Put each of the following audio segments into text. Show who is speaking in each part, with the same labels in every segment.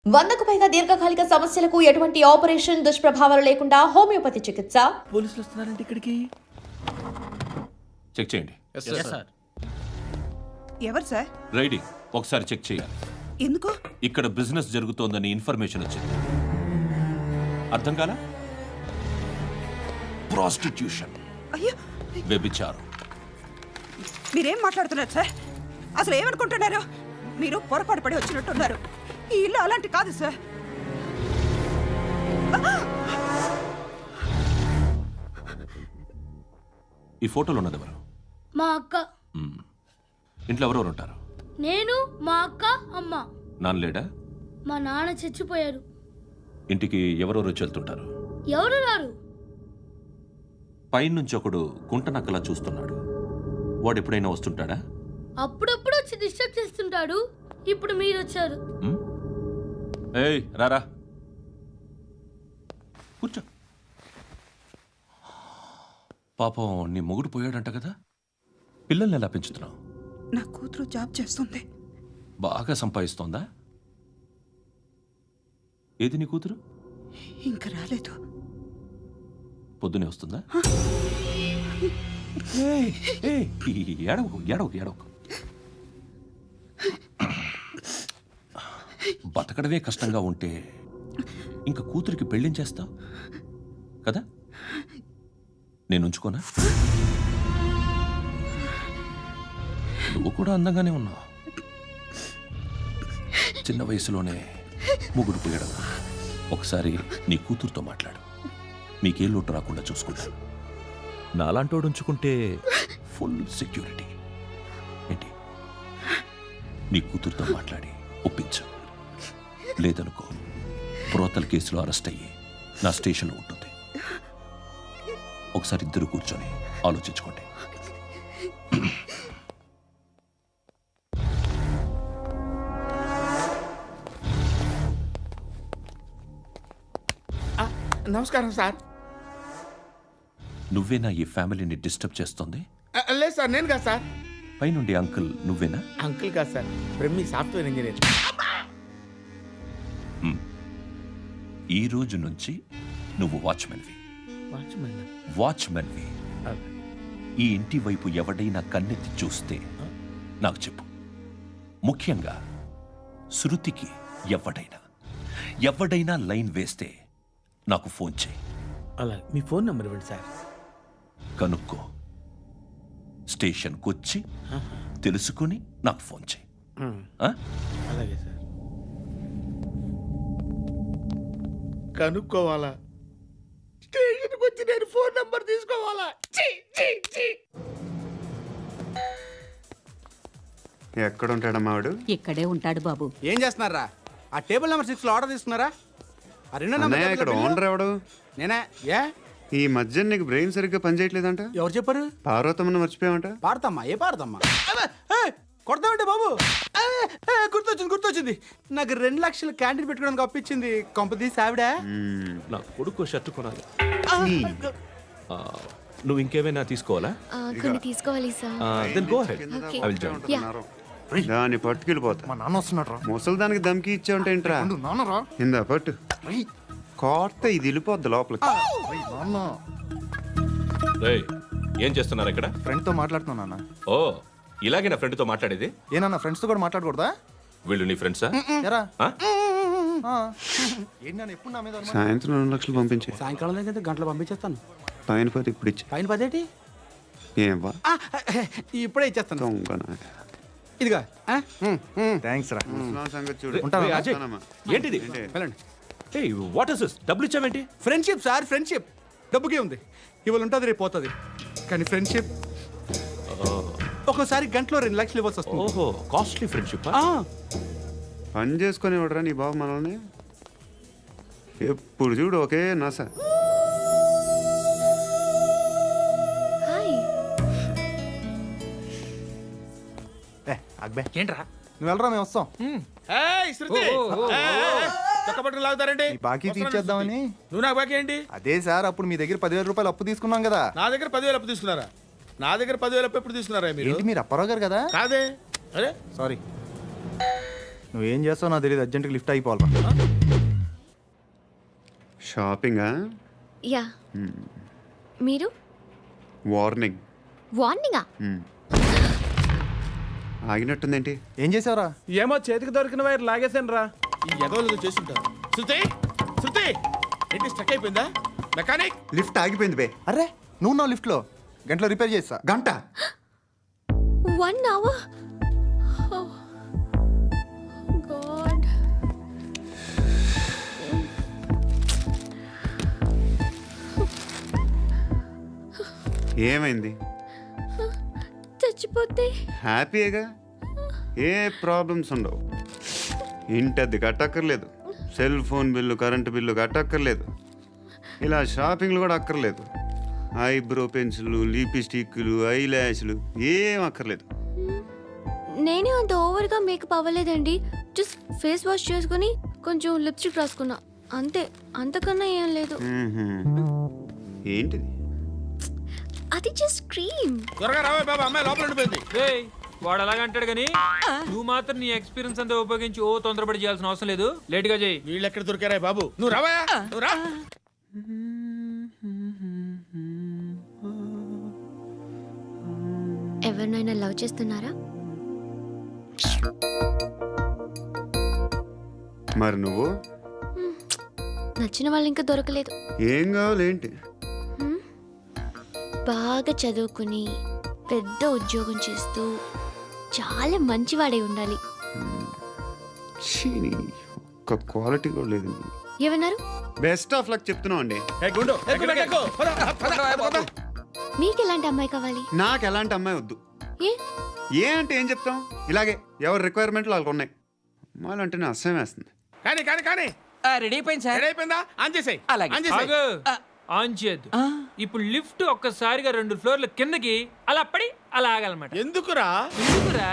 Speaker 1: 100కు పైగా దీర్ఘకాలిక సమస్యలకు ఎటువంటి ఆపరేషన్ దుష్ప్రభావాలు లేకుండా హోమియోపతి చికిత్స.
Speaker 2: పోలీసులు వస్తున్నారంటే ఇక్కడికి.
Speaker 3: చెక్ చేయండి.
Speaker 4: ఎవరు సార్?
Speaker 3: రైడింగ్ ఒకసారి చెక్ చేయాలి.
Speaker 4: ఎందుకు?
Speaker 3: ఇక్కడ బిజినెస్ జరుగుతోందని ఇన్ఫర్మేషన్ వచ్చింది. అర్థం కాలా? ప్రాస్టిట్యూషన్,
Speaker 4: అయ్యో,
Speaker 3: వ్యభిచారం.
Speaker 4: మీరేం మాట్లాడుతున్నారు సార్? అసలు ఏమనుకుంటున్నారు? మీరు పొరపాటు పడి వచ్చినట్టున్నారు. ఈ ఇల్లు అలాంటి కాదు సార్.
Speaker 3: ఈ ఫోటోలో ఉన్నది ఎవరు?
Speaker 5: మా అక్క.
Speaker 3: ఇంట్లో ఎవరెవరు ఉంటారు?
Speaker 5: నేను, మా అక్క, అమ్మ.
Speaker 3: నాన్న లేడా?
Speaker 5: మా నాన్న చచ్చిపోయారు.
Speaker 3: ఇంటికి ఎవరెవరు వచ్చి వెళ్తుంటారు?
Speaker 5: ఎవరు రారు.
Speaker 3: పైనుంచి ఒకడు గుంట నక్కలా చూస్తున్నాడు. వాడు ఎప్పుడైనా వస్తుంటాడా?
Speaker 5: అప్పుడప్పుడు వచ్చి డిస్టర్బ్ చేస్తుంటాడు. ఇప్పుడు మీరు వచ్చారు.
Speaker 3: ఏయ్ రారా, కూర్చో. పాపం నీ మొగుడు పోయాడంట కదా, పిల్లల్ని ఎలా పెంచుతున్నావు?
Speaker 4: నా కూతురు జాబ్ చేస్తుంది.
Speaker 3: బాగా సంపాదిస్తోందా? ఏది నీ కూతురు?
Speaker 4: ఇంకా రాలేదు.
Speaker 3: పొద్దునే వస్తుందా? ఏడవకు ఏడవకు ఏడవకు. బతకడమే కష్టంగా ఉంటే ఇంకా కూతురికి పెళ్ళించేస్తావు కదా? నేను ఉంచుకోనా? నువ్వు కూడా అందంగానే ఉన్నావు. చిన్న వయసులోనే ముగ్గురు పోయడం. ఒకసారి నీ కూతురుతో మాట్లాడు. మీకే లోటు రాకుండా చూసుకుంటాను.
Speaker 2: నాలాంటోడు ఉంచుకుంటే
Speaker 3: ఫుల్ సెక్యూరిటీ. ఏంటి? నీ కూతురుతో మాట్లాడి ఒప్పించు. లేదనుకో, ప్రోతల కేసులో అరెస్ట్ అయ్యి నా స్టేషన్లో ఉంటుంది. ఒకసారి ఇద్దరు కూర్చొని ఆలోచించుకోండి.
Speaker 6: నమస్కారం సార్.
Speaker 3: నువ్వేనా ఈ ఫ్యామిలీని డిస్టర్బ్ చేస్తుంది?
Speaker 6: లేదు సార్, నేను కాదు సార్.
Speaker 3: పైనుండి అంకుల్ నువ్వేనా?
Speaker 6: అంకుల్ కాదు సార్, బ్రహ్మి సాఫ్ట్వేర్ ఇంజనీర్.
Speaker 3: ఈ రోజు నుంచి నువ్వు వాచ్మెన్వి. వాచ్మెన్వి. ఈ ఇంటి వైపు ఎవడైనా కన్నెత్తి చూస్తే నాకు చెప్పు. ముఖ్యంగా శృతికి ఎవడైనా లైన్ వేస్తే నాకు ఫోన్ చేయి.
Speaker 6: అలా మీ ఫోన్ నెంబర్ ఇవ్వండి సార్.
Speaker 3: కనుక్కో, స్టేషన్కి వచ్చి తెలుసుకుని నాకు ఫోన్ చేయి.
Speaker 6: అలాగే సార్. కనుక్కోవాలా? స్టేషన్కి వచ్చి నేను ఫోన్ నెంబర్ తీసుకోవాలా?
Speaker 7: ఎక్కడ ఉంటాడమ్మా వాడు?
Speaker 8: ఇక్కడే ఉంటాడు బాబు.
Speaker 6: ఏం చేస్తున్నారా? ఆ టేబుల్ నెంబర్ 6 లో ఆర్డర్ తీసుకున్నారా? ఆ రెండో
Speaker 7: అన్నయ్య, ఇక్కడ
Speaker 6: నెంబర్
Speaker 7: ఓనర్ ఎవడు?
Speaker 6: నేనే. ఏ
Speaker 7: ఈ మధ్య నీకు బ్రెయిన్ సరిగ్గా పనిచేయట్లేదంట.
Speaker 6: ఎవరు చెప్పారు?
Speaker 7: పార్వతమ్మను మర్చిపోయామంట.
Speaker 6: పాడతామ్మా? ఏ పాడతామ్మా? కొడతామంటే బాబు. గుర్తొచ్చింది. నాకు 2 లక్షలు క్యాంటీన్ పెట్టుకోవడానికి అప్పించింది కొంపదీసి ఆవిడ.
Speaker 3: నా కొడుకు షర్టు కొనాలి. నువ్వు ఇంకేమైనా తీసుకోవాలా?
Speaker 5: కొన్ని తీసుకోవాలి sir.
Speaker 3: Then go ahead. I will join.
Speaker 7: దాన్ని పట్టుకెళ్ళిపోతా.
Speaker 2: మా నాన్న వస్తున్నాడు.
Speaker 7: ముసలి దానికి దమ్కి ఇచ్చావంట ఏంట్రా?
Speaker 2: నాన్నరా
Speaker 7: ఇందా పట్టు. కోర్త ఇది వెళ్ళిపోద్ది లోపలికి.
Speaker 2: నాన్న
Speaker 3: రేయ్, ఏం చేస్తున్నారు ఇక్కడ?
Speaker 2: ఫ్రెండ్ తో మాట్లాడుతున్నా నాన్న.
Speaker 3: ఓ, ఇలాగే నా ఫ్రెండ్తో మాట్లాడేది?
Speaker 2: ఏనన్నా ఫ్రెండ్స్ తో కూడా మాట్లాడకూడదా?
Speaker 3: వీళ్ళు నీ ఫ్రెండ్సా?
Speaker 2: ఎరా
Speaker 3: ఆ?
Speaker 2: ఏంటి నాన్న ఎప్పుడు నా మీద అనుమానం?
Speaker 7: సాయంత్రం 2 లక్షలు పంపించే.
Speaker 6: సాయంకాలం దగ్గర గంటలు పంపించేస్తాను.
Speaker 7: పైన పోతే ఇప్పుడు ఇచ్చే.
Speaker 6: పైన 10
Speaker 7: ఏం వా
Speaker 6: ఇప్పుడే ఇచ్చేస్తాను.
Speaker 7: దొంగనా.
Speaker 6: ఇదిగా
Speaker 2: థ్యాంక్స్ రా.
Speaker 7: ముసలాం సంగతి చూడు.
Speaker 2: ఉంటావా?
Speaker 3: రేయ్, అజయ్,
Speaker 7: వస్తానమ్మా.
Speaker 3: ఏంటిది?
Speaker 6: వెళ్ళండి.
Speaker 3: ఏయ్, వాట్ ఇస్ దిస్? డబ్బులు ఇచ్చావేంటి?
Speaker 6: Friendship sir, friendship. డబ్బుకే ఉంది. ఇవాళ ఉంటుంది, రేపు పోతుంది. కానీ ఫ్రెండ్షిప్ ఒక్కోసారి గంటలో 2 లక్షలు ఇవ్వాల్సి వస్తుంది.
Speaker 3: ఓహో, కాస్ట్లీ ఫ్రెండ్షిప్.
Speaker 7: పని చేసుకొని ఇవ్వడరా నీ బాబు మనల్ని? ఎప్పుడు చూడు ఒకే నాస.
Speaker 2: అక్బే ఏంట్రా? నువ్వు వెళ్ళరా, మేము వస్తాం.
Speaker 6: చక్కబట్టలు లాగుతారండి.
Speaker 2: ఈ బాకీ తీర్చేద్దామని.
Speaker 6: నువ్వు నాకు బాకీ ఏంటి?
Speaker 2: అదే సార్, అప్పుడు మీ దగ్గర 10,000 రూపాయలు అప్పు తీసుకున్నాం కదా.
Speaker 6: నా దగ్గర 10,000 అప్పు తీసుకున్నారా? నా దగ్గర 10,000 అప్పు ఎప్పుడు తీసుకున్నారా మీరు?
Speaker 2: ఏంటి మీరు అప్పారావు గారు కదా?
Speaker 6: కాదే. అరే
Speaker 2: సారీ. నువ్వేం చేస్తావు నాకు తెలియదు, అర్జెంట్గా లిఫ్ట్ అయిపోవాలి.
Speaker 7: షాపింగా?
Speaker 8: యా మీరు
Speaker 7: వార్నింగ్.
Speaker 8: వార్నింగా?
Speaker 7: ఆగినట్టుందేంటి?
Speaker 2: ఏం చేసావురా?
Speaker 6: ఏమో చేతికి దొరికిన వైర్ లాగేసాను రా. ఈ ఎగవలు చేస్తుంటారు. శృతి శృతి ఏంటి స్టక్ అయిపోయిందా? మెకానిక్
Speaker 7: లిఫ్ట్ ఆగిపోయింది బే.
Speaker 2: అరే నువ్వు నా లిఫ్ట్లో గంటలో రిపేర్ చేస్తా.
Speaker 7: గంట?
Speaker 8: 1 hour? Oh, God.
Speaker 7: ఏమైంది?
Speaker 8: చచ్చిపోతే
Speaker 7: హ్యాపీగా, ఏ ప్రాబ్లమ్స్ ఉండవు. ఇంటద్ది కట్టక్కర్లేదు, cell phone bill, current bill కట్టక్కర్లేదు, ఇలా షాపింగ్లు కూడా అక్కర్లేదు. ఐబ్రో పెన్సిల్, లిప్స్టిక్లు, ఐ ల్యాష్లు ఏం అక్కర్లేదు.
Speaker 8: నేనే అంత ఓవర్గా మేకప్ అవ్వలేదండి. జస్ట్ ఫేస్ వాష్ చేసుకుని కొంచెం లిప్స్టిక్ రాసుకున్నా అంతే, అంతకన్నా ఏం లేదు.
Speaker 7: ఏంటిది?
Speaker 8: అది జస్ట్ క్రీమ్.
Speaker 6: త్వరగా రావే బాబా, అమ్మాయి లోపల ఉండిపోయింది.
Speaker 9: వాడు అలాగంటాడు కానీ నువ్వు మాత్రం నీ ఎక్స్పీరియన్స్ అంతా ఉపయోగించి ఓ తొందరపడి చేయాల్సిన అవసరం లేదు. లేట్ గా చేయి.
Speaker 6: వీళ్ళు ఎక్కడ దొరికారా బాబు? నువ్వు రావా, నువ్వు రా.
Speaker 8: ఎవరినైనా లవ్ చేస్తున్నారా?
Speaker 7: మరి నువ్వు?
Speaker 8: నచ్చిన వాళ్ళు ఇంకా దొరకలేదు.
Speaker 7: ఏం కావాలి ఏంటి?
Speaker 8: బాగా చదువుకుని పెద్ద ఉద్యోగం చేస్తూ చాలా మంచివాడే ఉండాలి.
Speaker 7: ఒక్క క్వాలిటీ కూడా లేదు.
Speaker 8: ఏమన్నారు?
Speaker 7: బెస్ట్ ఆఫ్ లక్ చెప్తున్నావు అండి.
Speaker 6: గుండు ఎక్కు, ఎక్కు. పద, పద, పద.
Speaker 8: మీకు ఎలాంటి అమ్మాయి కావాలి?
Speaker 7: నాకు ఎలాంటి అమ్మాయి వద్దు.
Speaker 8: ఏ
Speaker 7: ఏ అంటే ఏం చెప్తాం, ఇలాగే ఎవరి రిక్వైర్మెంట్లు వాళ్ళకు ఉన్నాయి. అమ్మాయిలు అంటేనే అసహ్యం వేస్తుంది.
Speaker 6: కానీ కానీ కానీ
Speaker 10: రెడీ అయిపోయింది సార్.
Speaker 6: రెడీ అయిపోయిందా? ఆన్ చేసేయ్.
Speaker 10: అలాగే.
Speaker 6: ఆన్ చేసేయ్.
Speaker 9: ఆగు. ఆన్ చేయద్దు. ఇప్పుడు లిఫ్ట్ ఒక్కసారిగా 2 ఫ్లోర్ల కిందకి అలా పడి అలా ఆగాలన్నమాట.
Speaker 6: ఎందుకురా?
Speaker 9: ఎందుకురా?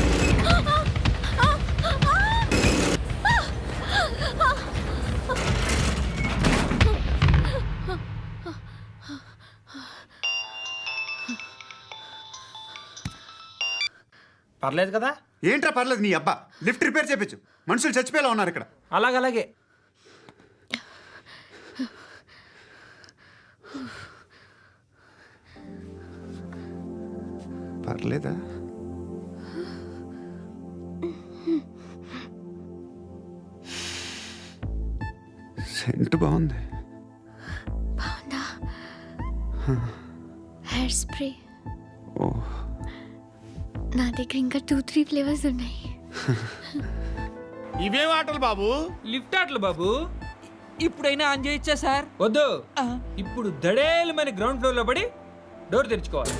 Speaker 10: పర్లేదు కదా?
Speaker 7: ఏంట్రా పర్లేదు నీ అబ్బా. లిఫ్ట్ రిపేర్ చేయించు, మనుషులు చచ్చిపోయేలా ఉన్నారు ఇక్కడ.
Speaker 10: అలాగలాగే.
Speaker 7: పర్లేదా? సెంట్ బాగుంది.
Speaker 8: బాగుందా? Hair spray.
Speaker 7: ఓ,
Speaker 8: నా దగ్గర ఇంకా 2-3 ఫ్లేవర్స్ ఉన్నాయి.
Speaker 6: ఇవేం ఆటలు బాబు?
Speaker 9: లిఫ్ట్ ఆటలు బాబు.
Speaker 10: ఇప్పుడైనా ఆన్ చేయొచ్చా సార్?
Speaker 9: వద్దు. ఇప్పుడు దడేలమైన గ్రౌండ్ ఫ్లోర్ లో పడి డోర్ తెరుచుకోవాలి.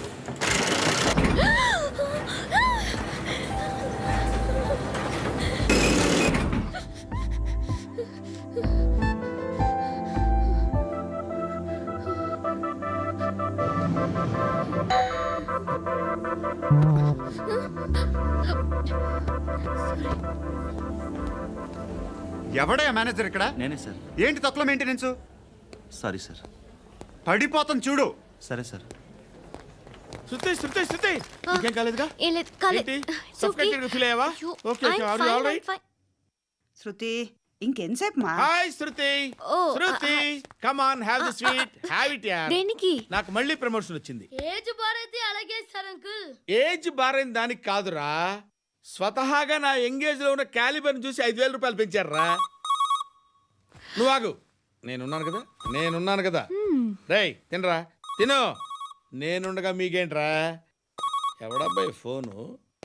Speaker 7: ఎవడయ్యా మేనేజర్ ఇక్కడ?
Speaker 11: నేనే సార్.
Speaker 7: ఏంటి తక్కువ మెయింటెనెన్స్?
Speaker 11: Sorry sir.
Speaker 7: పడిపోతాం చూడు.
Speaker 11: సరే సార్.
Speaker 6: శృతి శృతి శృతి ఇంకేం కాలేదుగా?
Speaker 8: ఏం లేదు, కాలేదు.
Speaker 6: ఏంటి?
Speaker 8: It's okay.
Speaker 6: Suffocated feel అయ్యావా?
Speaker 8: అయ్యో,
Speaker 6: Okay, okay.
Speaker 8: I'm
Speaker 6: Are you
Speaker 8: fine,
Speaker 6: all right?
Speaker 8: I'm fine.
Speaker 4: Shruti ఇంకెంతసేపు మా?
Speaker 6: Hi Shruti.
Speaker 8: Oh,
Speaker 6: Shruti come on, have the sweet, have it యార్.
Speaker 8: దేనికి?
Speaker 6: నాకు మళ్ళీ ప్రమోషన్ వచ్చింది.
Speaker 5: ఏజ్ బారైతే అలాగే సార్ అంకుల్.
Speaker 6: ఏజ్ బారైన దానికి కాదురా, స్వతహాగా నా ఎంగేజ్ లో ఉన్న క్యాలిబర్ చూసి 5,000 రూపాయలు పెంచారా. నువ్వు ఆగు, నేనున్నాను కదా. రేయ్ తినరా, తిను. నేనుండగా మీకేంట్రా? ఎవడబ్బాయి ఫోను?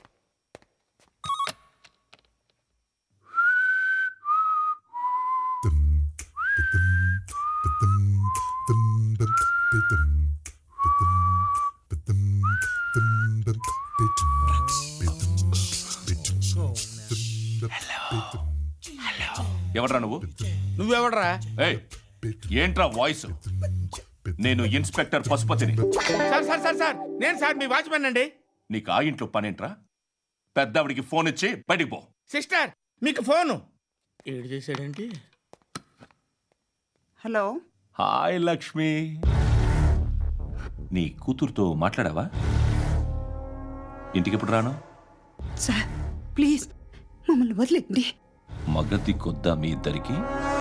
Speaker 3: ఎవడ్రా నువ్వు?
Speaker 6: నువ్వెవడరా?
Speaker 3: ఏయ్, ఏంట్రా వాయిస్? నేను ఇన్స్పెక్టర్ పశుపతిని.
Speaker 6: సార్ సార్ సార్ సార్ నేను సార్ మీ వాచ్మెన్ అండి.
Speaker 3: నీకు ఆ ఇంట్లో పనేంట్రా? పెద్దవిడికి ఫోన్ ఇచ్చి బయటికి పో.
Speaker 6: సిస్టర్ మీకు ఫోను. ఏడు చేశాడేంటి?
Speaker 4: హలో.
Speaker 3: హాయ్ లక్ష్మి. నీ కూతురుతో మాట్లాడావా? ఇంటికి ఎప్పుడు రాను?
Speaker 4: సార్ ప్లీజ్ మమ్మల్ని నన్ను వదిలేండి.
Speaker 3: మగతి కొద్దా మీ ఇద్దరికి?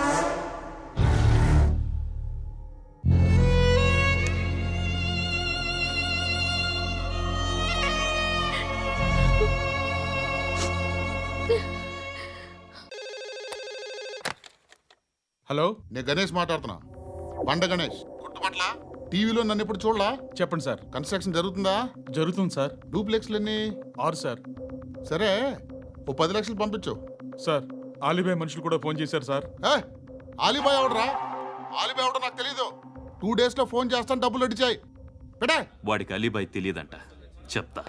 Speaker 12: హలో, నేను గణేష్ మాట్లాడుతున్నా. బండ గణేష్ గుర్తుపట్ల? టీవీలో నన్ను ఎప్పుడు చూడలా? చెప్పండి సార్. కన్స్ట్రక్షన్ జరుగుతుందా? జరుగుతుంది సార్. డూప్లెక్స్లు ఎన్ని? 6 సార్. సరే, ఓ 10 లక్షలు పంపించు సార్. ఆలిబాయ్ మనుషులు కూడా ఫోన్ చేశారు సార్. ఆలిబాయ్ ఎవడరా? ఆలిబాయ్ ఎవడో నాకు తెలీదు. 2 days లో ఫోన్ చేస్తాను, డబ్బులు అడిచాయి పెట్టే.
Speaker 11: వాడికి అలీబాయ్ తెలియదంట, చెప్తా.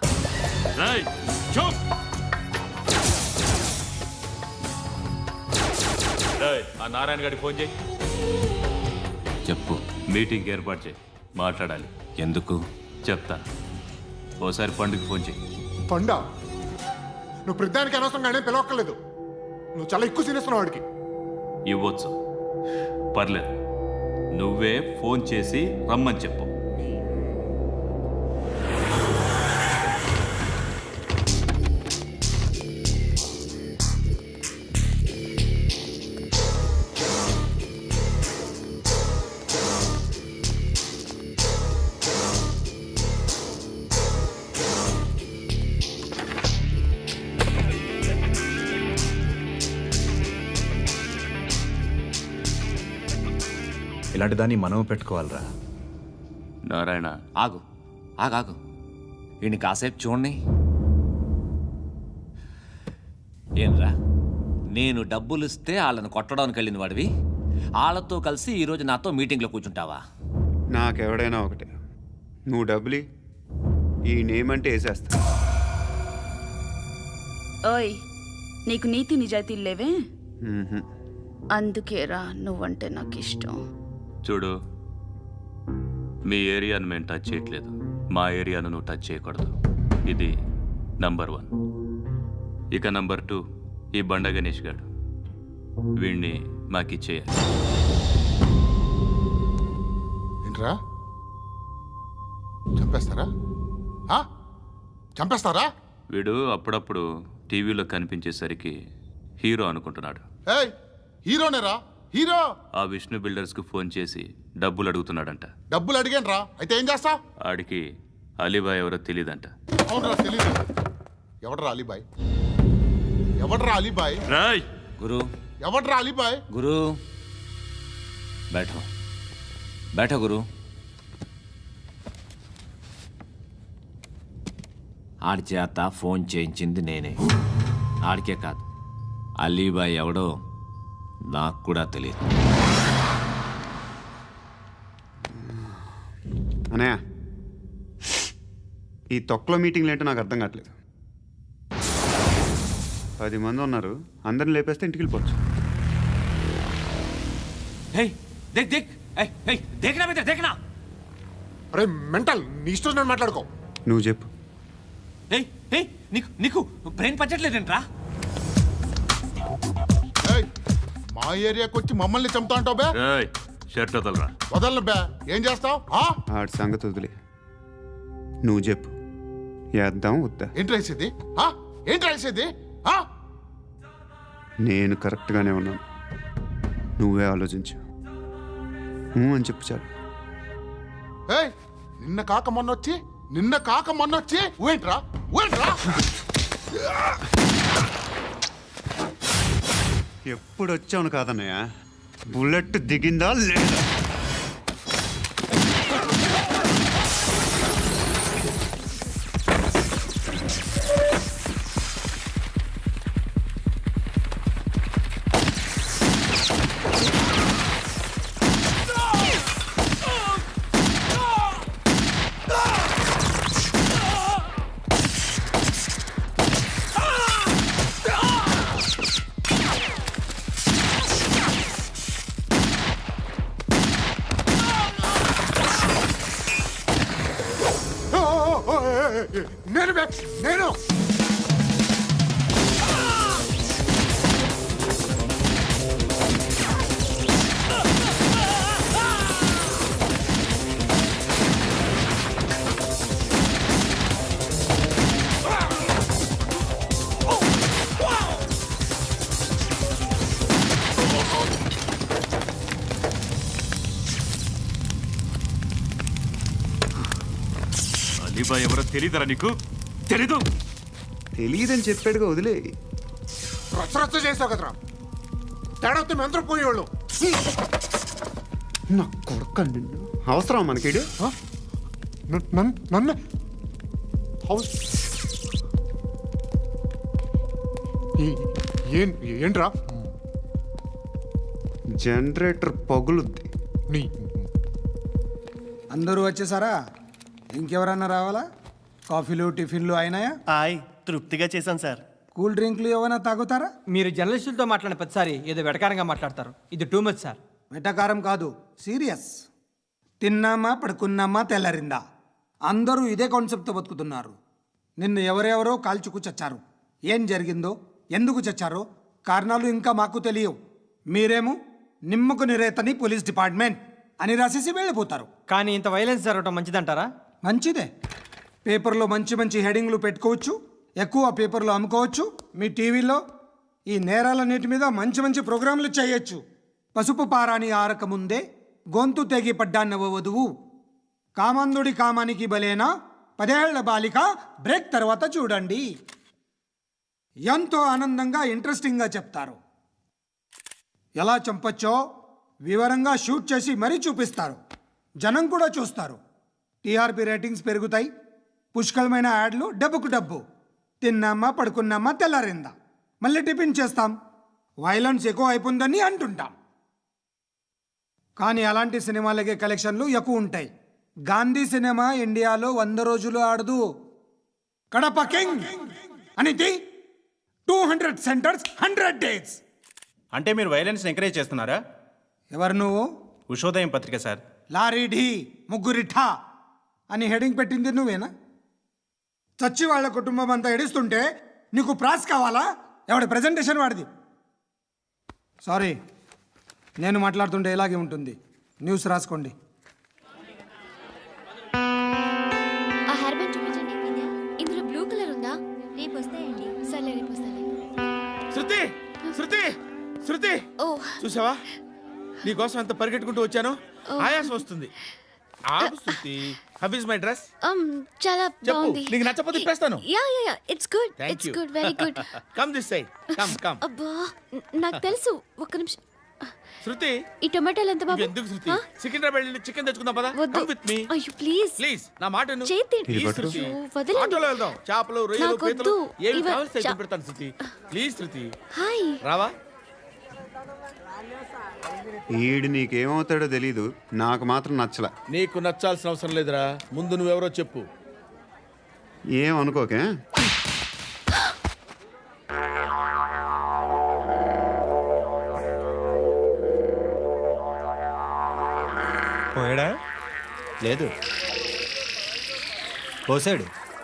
Speaker 9: ఆ నారాయణ గారికి ఫోన్ చేయి.
Speaker 11: చెప్పు. మీటింగ్ ఏర్పాటు చేయి, మాట్లాడాలి. ఎందుకు చెప్తా. ఓసారి పండుగ ఫోన్ చేయి.
Speaker 12: పండా, నువ్వు ప్రతిదానికి అనవసరంగానే పిలవక్కర్లేదు. నువ్వు చాలా ఎక్కువ సీనిస్తున్నావు వాడికి.
Speaker 11: ఇవ్వచ్చు, పర్లేదు. నువ్వే ఫోన్ చేసి రమ్మని చెప్పు.
Speaker 2: ఇలాంటి దాన్ని మనం పెట్టుకోవాలరా.
Speaker 11: నారాయణ,
Speaker 10: ఆగు ఆగాగు, ఈయన కాసేపు చూడండి. ఏంరా, నేను డబ్బులు ఇస్తే వాళ్ళని కొట్టడానికి వెళ్ళిన వాడివి, వాళ్ళతో కలిసి ఈరోజు నాతో మీటింగ్లో కూర్చుంటావా?
Speaker 7: నాకెవడైనా ఒకటే. నువ్వు డబ్బులి, ఈ నేమ్ అంటే వేసేస్తా.
Speaker 4: ఓయ్, నీకు నీతి నిజాయితీలు లేవే,
Speaker 7: మ్మ్హ్మ్.
Speaker 4: అందుకేరా నువ్వంటే నాకు ఇష్టం.
Speaker 11: చూడు, మీ ఏరియాను మేము టచ్ చేయట్లేదు, మా ఏరియాను నువ్వు టచ్ చేయకూడదు. ఇది నంబర్ 1. ఇక నంబర్ 2, ఈ బండ గణేష్ గారు, వీణ్ణి మాకిచ్చేయాలి.
Speaker 12: ఏంట్రా, చంపేస్తారా? చంపేస్తారా?
Speaker 11: వీడు అప్పుడప్పుడు టీవీలో కనిపించేసరికి హీరో అనుకుంటున్నాడు.
Speaker 12: ఏయ్, హీరోనేరా, హీరో.
Speaker 11: ఆ విష్ణు బిల్డర్స్కు ఫోన్ చేసి డబ్బులు అడుగుతున్నాడంట.
Speaker 12: డబ్బులు అడిగాను రా, అయితే ఏం చేస్తా?
Speaker 11: ఆడికి అలీబాయ్ ఎవరో తెలియదంట.
Speaker 12: అవునరా, తెలీదు. ఎవడరా అలీబాయ్? ఎవడరా అలీబాయ్?
Speaker 11: రాయ్
Speaker 10: గురు,
Speaker 12: ఎవడరా అలీబాయ్?
Speaker 10: గురు బైఠో బైఠో గురు. ఆడి చేత ఫోన్ చేయించింది నేనే. ఆడికే కాదు, అలీబాయ్ ఎవడో నాకు కూడా తెలియదు.
Speaker 7: అనయ్య, ఈ తొక్కలో మీటింగ్లు ఏంటో నాకు అర్థం కావట్లేదు. 10 మంది ఉన్నారు, అందరిని లేపేస్తే ఇంటికి వెళ్ళిపోవచ్చు.
Speaker 12: అరే మెంటల్, నీ ఇష్టం నేను మాట్లాడుకో.
Speaker 7: నువ్వు చెప్పు.
Speaker 10: నీకు బ్రెయిన్ పచ్చట్లేదంట్రా?
Speaker 12: ఏయ్, మా ఏరియాకి వచ్చి మమ్మల్ని చంపుతా అంటావు బే?
Speaker 11: రాయ్ షర్ట్ వదలరా.
Speaker 12: వదలను బే. ఏం చేస్తావు?
Speaker 7: ఆడి సంగతి వదిలే, నువ్వు చెప్పు. వేద్దాం వద్దా?
Speaker 12: ఏంటి రాసేది? ఏంటి రాసేది?
Speaker 7: నేను కరెక్ట్గానే ఉన్నాను, నువ్వే ఆలోచించు. అని చెప్పు చాలు.
Speaker 12: ఏయ్, నిన్న కాక మొన్నొచ్చి ఊయంట్రా.
Speaker 7: ఎప్పుడు వచ్చావును కాదన్నయ్య, బుల్లెట్ దిగిందా లేదా?
Speaker 12: నేను
Speaker 11: అలీబాయ్ ఎవరో తెలీదరా నీకు? తెలీదు.
Speaker 7: తెలియదని చెప్పాడుగా, వదిలే.
Speaker 12: రచ్చ చేసావు కదరా, తేడా వస్తే మెంతరం పోయేవాళ్ళు.
Speaker 7: నా కొడుకు నిన్ను అవసరం మనకిడు.
Speaker 12: నన్ను హౌస్ ఏంట్రా?
Speaker 7: జనరేటర్ పగులుద్ది.
Speaker 12: నీ
Speaker 13: అందరూ వచ్చేసారా? ఇంకెవరన్నా రావాలా? కాఫీలు టిఫిన్లు అయినాయా?
Speaker 14: తృప్తిగా చేశాను సార్.
Speaker 13: కూల్ డ్రింక్లు ఏమైనా తాగుతారా?
Speaker 14: మీరు జర్నలిస్టులతో మాట్లాడిన ప్రతిసారి ఏదో వెటకారంగా మాట్లాడతారు. ఇది టూ మచ్ సార్.
Speaker 13: వెటకారం కాదు, సీరియస్. తిన్నామా పడుకున్నామా తెల్లరిందా, అందరూ ఇదే కాన్సెప్ట్తో బతుకుతున్నారు. నిన్ను ఎవరెవరో కాల్చుకు చచ్చారు. ఏం జరిగిందో, ఎందుకు చచ్చారో కారణాలు ఇంకా మాకు తెలియవు. మీరేమో నిమ్మకు నిరేతని పోలీస్ డిపార్ట్మెంట్ అని రాసేసి వెళ్ళిపోతారు.
Speaker 14: కానీ ఇంత వైలెన్స్ జరగడం మంచిదంటారా?
Speaker 13: మంచిదే. పేపర్లో మంచి మంచి హెడింగ్లు పెట్టుకోవచ్చు, ఎక్కువ పేపర్లు అమ్ముకోవచ్చు. మీ టీవీలో ఈ నేరాలన్నిటి మీద మంచి మంచి ప్రోగ్రాంలు చేయొచ్చు. పసుపు పారాని ఆరక ముందే గొంతు తెగి పడ్డాన్నవ వధువు, కామందుడి కామానికి బలేనా 10 ఏళ్ల బాలిక, బ్రేక్ తర్వాత చూడండి. ఎంతో ఆనందంగా ఇంట్రెస్టింగ్గా చెప్తారు. ఎలా చంపచ్చో వివరంగా షూట్ చేసి మరీ చూపిస్తారు. జనం కూడా చూస్తారు. టీఆర్పీ రేటింగ్స్ పెరుగుతాయి. పుష్కలమైన యాడ్లు, డబ్బుకు డబ్బు. తిన్నామా పడుకున్నామా తెల్లారిందా, మళ్ళీ టిఫిన్ చేస్తాం. వైలెన్స్ ఎక్కువ అయిపోయిందని అంటుంటాం. కానీ అలాంటి సినిమాలకే కలెక్షన్లు ఎక్కువ ఉంటాయి. గాంధీ సినిమా ఇండియాలో 100 రోజులు ఆడదు. కడప కింగ్ అనితి 200 సెంటర్స్ 100 డేస్.
Speaker 14: అంటే మీరు వైలెన్స్ ఎంకరేజ్ చేస్తున్నారా?
Speaker 13: ఎవరు నువ్వు?
Speaker 14: ఉషోదయం పత్రిక సార్.
Speaker 13: లారీ ఢీ ముగ్గురిఠా అని హెడింగ్ పెట్టింది నువ్వేనా? చచ్చి వాళ్ళ కుటుంబం అంతా ఎడుస్తుంటే నీకు ప్రాస్ కావాలా? ఎవడి ప్రజెంటేషన్ వాడిది. సారీ, నేను మాట్లాడుతుంటే ఇలాగే ఉంటుంది. న్యూస్ రాసుకోండి.
Speaker 8: ఆ హెయిర్ బ్యాండ్ చూపించండి. ఇందులో బ్లూ కలర్ ఉందా? రేపు వస్తాయండి. సర్లే, రేపు వస్తాలే.
Speaker 6: శృతి, శృతి, శృతి,
Speaker 8: ఓ
Speaker 6: చూసావా నీకోసం ఎంత పరిగెట్టుకుంటూ వచ్చాను. ఆయాసం వస్తుంది. ఆగు Shruti. How is my dress?
Speaker 8: చాలా
Speaker 6: చెప్పు.
Speaker 8: బాగుంది.
Speaker 6: నీకు నచ్చకపోతే తిప్పేస్తాను.
Speaker 8: Yeah it's good.
Speaker 6: Thank
Speaker 8: it's
Speaker 6: you.
Speaker 8: Good, very good.
Speaker 6: Come this side. Come.
Speaker 8: అబ్బా, నాకు తెలుసు. ఒక్క నిమిషం.
Speaker 6: శృతి,
Speaker 8: ఈ టొమాటోలు ఎంత బాబు?
Speaker 6: ఎందుకు శృతి? సికింద్రాబాద్ వెళ్ళి చికెన్ తెచ్చుకుందాం పదా.
Speaker 8: వద్దు.
Speaker 6: కమ్ విత్ మీ
Speaker 8: అయ్యో ప్లీజ్
Speaker 6: ప్లీజ్. నా మాట విను.
Speaker 8: చేతి
Speaker 6: ప్లీజ్ శృతి.
Speaker 8: వదలండి.
Speaker 6: ఆటోలో వెళ్దాం. చేపలు, రొయ్యలు,
Speaker 8: నాకు
Speaker 6: పీతలు
Speaker 8: వద్దు.
Speaker 6: ఏమి
Speaker 8: ఇవ-
Speaker 6: కావాలి సైకిల్ పెడతాను శృతి. Please Shruti.
Speaker 8: హాయ్.
Speaker 6: రావా?
Speaker 7: ఈడు నీకేమవుతాడో తెలీదు, నాకు మాత్రం నచ్చలా.
Speaker 6: నీకు నచ్చాల్సిన అవసరం లేదురా. ముందు నువ్వెవరో చెప్పు.
Speaker 7: ఏం అనుకోకే.
Speaker 14: పోయాడా? లేదు, పోసాడు.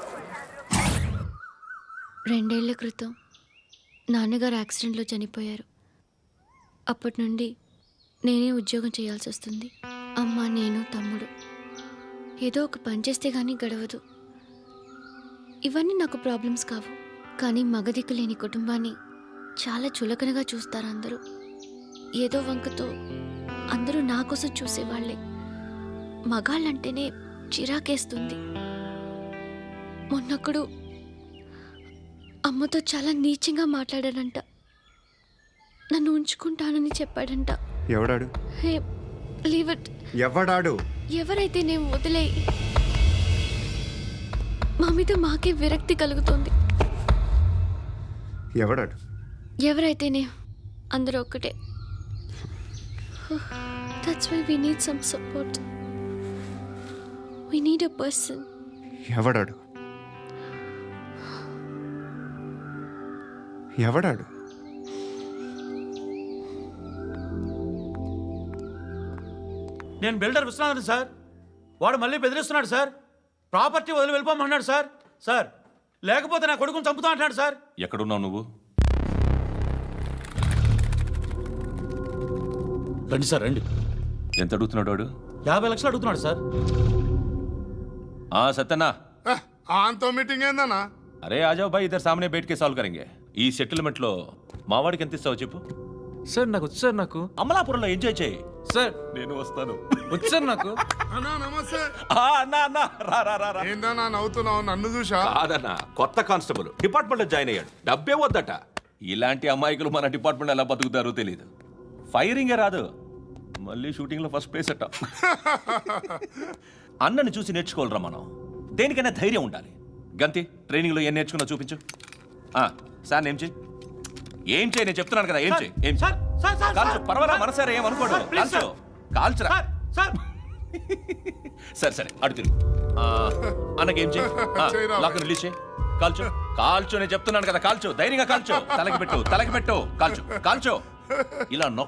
Speaker 8: 2 ఏళ్ల క్రితం నాన్నగారు యాక్సిడెంట్లో చనిపోయారు. అప్పటి నుండి నేనే ఉద్యోగం చేయాల్సి వస్తుంది. అమ్మ, నేను, తమ్ముడు ఏదో ఒక పని చేస్తే కానీ గడవదు. ఇవన్నీ నాకు ప్రాబ్లమ్స్ కావు. కానీ మగదిక్కు లేని కుటుంబాన్ని చాలా చులకనగా చూస్తారు అందరూ. ఏదో వంకతో అందరూ నా కోసం చూసేవాళ్లే. మగాళ్ళంటేనే చిరాకేస్తుంది. మొన్నప్పుడు అమ్మతో చాలా నీచంగా మాట్లాడాడంట. నన్ను ఉంచుకుంటానని చెప్పాడంట.
Speaker 7: ఎవడాడు?
Speaker 8: Hey, leave it.
Speaker 7: ఎవడాడు?
Speaker 8: ఎవరైతే నేను వదిలే. మా మీద మాకే విరక్తి కలుగుతుంది.
Speaker 7: ఎవడాడు?
Speaker 8: ఎవరైతేనే అందరూ ఒక్కటే. That's why we need some support. We need a person.
Speaker 7: ఎవడాడు? ఎవడాడు?
Speaker 14: నేను బిల్డర్ విశ్వనాథన్ సార్. వాడు మళ్ళీ బెదిరిస్తున్నాడు సార్. ప్రాపర్టీ వదిలి వెళ్ళిపోమన్నాడు సార్. సార్, లేకపోతే నా కొడుకుని చంపుతా అంటున్నాడు సార్.
Speaker 3: ఎక్కడున్నావు నువ్వు?
Speaker 14: రండి సార్, రండి.
Speaker 3: ఎంత అడుగుతున్నాడు వాడు?
Speaker 14: 50 లక్షలు అడుగుతున్నాడు సార్.
Speaker 3: సత్యనా,
Speaker 12: ఆంతో మీటింగ్ ఏందన్నా?
Speaker 3: అరే ఆజావ్ భాయ్, ఇద్దరు సామనే బయటకే సాల్వ్ కరెంగే. ఈ సెటిల్మెంట్ లో మా వాడికి ఎంత ఇస్తావు చెప్పు.
Speaker 9: సార్ నాకు వచ్చు సార్. నాకు
Speaker 3: అమలాపురంలో ఎంజాయ్ చేయి.
Speaker 9: సార్
Speaker 3: నేను వస్తాను.
Speaker 9: వచ్చారు నాకు.
Speaker 12: అన్నా నమస్తే.
Speaker 3: అన్నా అన్నా రా రా రా రా.
Speaker 12: ఏందన్నా నవ్వుతున్నావు? నన్ను చూసా?
Speaker 3: కాదన్నా, కొత్త కానిస్టేబుల్ డిపార్ట్మెంట్ లో జాయిన్ అయ్యాడు. డబ్బే వద్దట. ఇలాంటి అమాయకులు మన డిపార్ట్మెంట్ ఎలా బతుకుతారో తెలియదు. ఫైరింగే రాదు, మళ్ళీ షూటింగ్ లో ఫస్ట్ ప్లేస్ అట్ట. అన్నని చూసి నేర్చుకోవాలరా మనం. దేనికైనా ధైర్యం ఉండాలి. గంతి, ట్రైనింగ్ లో ఏం నేర్చుకున్నా చూపించు. సార్ ఏం చేయి, ఏం చేయి, నేను చెప్తున్నాను కదా. ఏం చేయి, ఏం చేయి. కాల్చు, పర్వాలా, మనసారా ఏమనుకోడు. కాల్చు, కాల్చురా. సరే సరే, అడు తిరుగు. అన్నకేం చేయి, లాక్ రిలీజ్ చేయి. కాల్చు, కాల్చు, నేను చెప్తున్నాను కదా. కాల్చు, ధైర్యంగా కాల్చు. తలకి పెట్టు, తలకి పెట్టు. కాల్చు, కాల్చు. ఇలా